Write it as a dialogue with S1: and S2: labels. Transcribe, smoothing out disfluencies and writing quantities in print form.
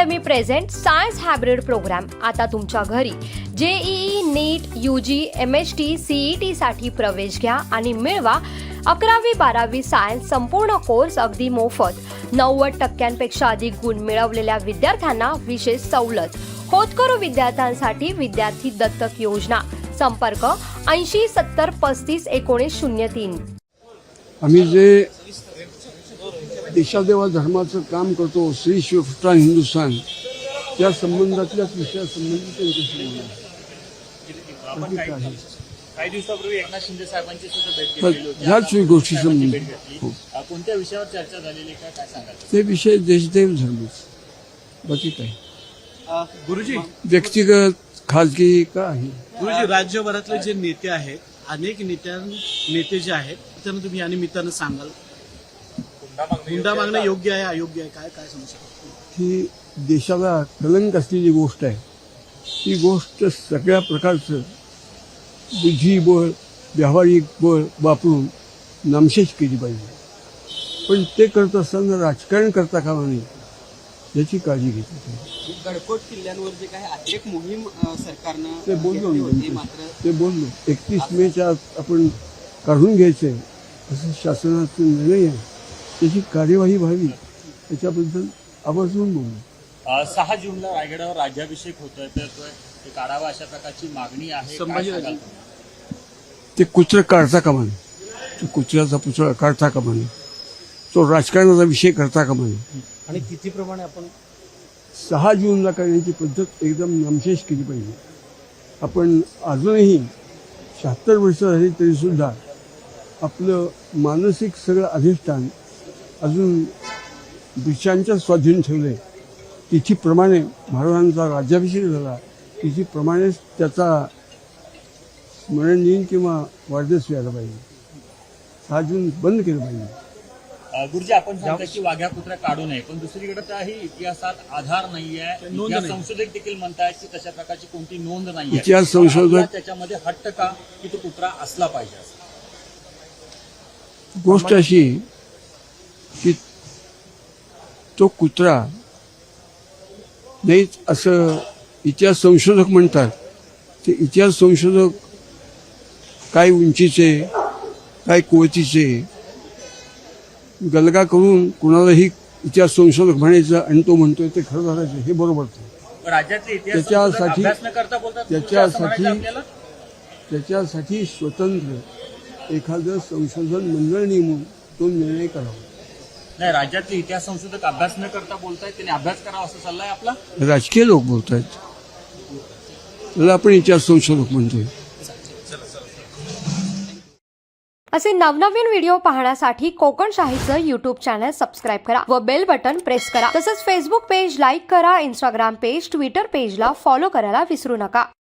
S1: Academy present science hybrid programme आता तुमच्या घरी। JEE, NEET, UG, MHT, CET साठी प्रवेश घ्या आणि मिळवा 11वी-12वी सायन्स संपूर्ण कोर्स अगदी मोफत। 90% अधिक गुण मिळवलेल्या विद्यार्थ्यांना विशेष सवलत। होतकरू विद्यार्थ्यांसाठी विद्यार्थी दत्तक योजना। संपर्क 80 70 35 19 03।
S2: आम्ही जे देशादेवा धर्माचं काम करतो, श्री शिवराष्ट्र हिंदुस्थान, त्या संबंधातल्याच विषयासंबंधी त्यांच्याशी बोलणार।
S3: काही दिवसापूर्वी एकनाथ शिंदे साहेबांची सुद्धा भेट घेतली होती।
S2: ह्याच गोष्टी संबंधी
S3: कोणत्या विषयावर चर्चा झालेली काय सांगाल?
S2: ते विषय देशदेव धर्मच, बाकी काय
S4: गुरुजी
S2: व्यक्तिगत खाजगी का आहे।
S4: गुरुजी, राज्यभरातले जे नेते आहेत, अनेक नेते जे आहेत त्यांना तुम्ही या निमित्तानं सांगाल, हुंडा मागणं योग्य आहे अयोग्य आहे, काय काय समजू शकतो?
S2: ही देशाला कलंक असलेली गोष्ट आहे। ही गोष्ट सगळ्या प्रकारचं बुद्धिबळ, व्यावहारिक बळ वापरून नामशेष केली पाहिजे, पण ते करत असताना राजकारण करता कामा नये याची काळजी घेतली पाहिजे।
S5: गडकोट किल्ल्यांवर जे काही अतिरेक मोहीम सरकारनं
S2: ते बोललो
S5: घेतली होती,
S2: मी,
S5: मात्र
S2: ते बोललो 31 मेच्या आत आपण काढून घ्यायचंय असं शासनाचा निर्णय आहे, त्याची कार्यवाही व्हावी याच्याबद्दल आवर्जून बोललो।
S3: 6 जूनला रायगडावर राज्याभिषेक होतोय, तर ते काढावा अशा प्रकारची मागणी आहे। काय सांगाल?
S2: ते कुत्र काढता कामा नये, तो कुत्र्याचा पुतळा काढता कामा नये, तो राजकारणाचा विषय करता कामा नये।
S4: आणि तिथीप्रमाणे आपण
S2: 6 जूनला करण्याची पद्धत एकदम नामशेष केली पाहिजे। आपण अजूनही 76 वर्ष झाली तरीसुद्धा आपलं मानसिक सगळं अधिष्ठान अजून ब्रिटिशांच्या स्वाधीन ठेवलं आहे। तिथीप्रमाणे महाराजांचा राज्याभिषेक झाला, तिथीप्रमाणेच त्याचा स्मरण दिन किंवा वाढदिवस व्हायला पाहिजे। 6 जून बंद केलं पाहिजे।
S3: गुरुजी, आपण सांगता की वाघ्या कुत्र्या काढू नये, पण दुसरीकडे त्याही इतिहासात आधार नाहीये। इतिहास संशोधक देखील म्हणतात की तशा प्रकारची कोणती नोंद नाहीये।
S2: इतिहास संशोधक
S3: त्याच्यामध्ये हट्ट का की तो कुत्रा असला पाहिजे असं?
S2: गोष्ट अशी की तो कुत्रा नाहीच असं इतिहास संशोधक म्हणतात। ते इतिहास संशोधक काय उंचीचे, काय कुवतीचे गलगा करून कुणालाही इतिहास संशोधक म्हणायचं आणि तो म्हणतोय ते खरं झालं, हे बरोबर नाही।
S3: राज्यातले इतिहास अभ्यास न करता बोलतात
S2: त्याच्यासाठी स्वतंत्र एखादं संशोधन मंडळ नेमून तो निर्णय करावा।
S3: नाही, राज्यातले इतिहास संशोधक अभ्यास न करता बोलतायत, त्यांनी अभ्यास करावा असं सल्ला आहे आपला।
S2: राजकीय लोक बोलत आहेत, त्याला आपण इतिहास संशोधक म्हणतोय।
S1: असे नवनवीन व्हिडिओ पाहण्यासाठी कोकण शाहीचं YouTube चॅनल सबस्क्राईब करा व बेल बटन प्रेस करा। तसंच फेसबुक पेज लाईक करा, इंस्टाग्राम पेज, ट्विटर पेजला फॉलो करायला विसरू नका।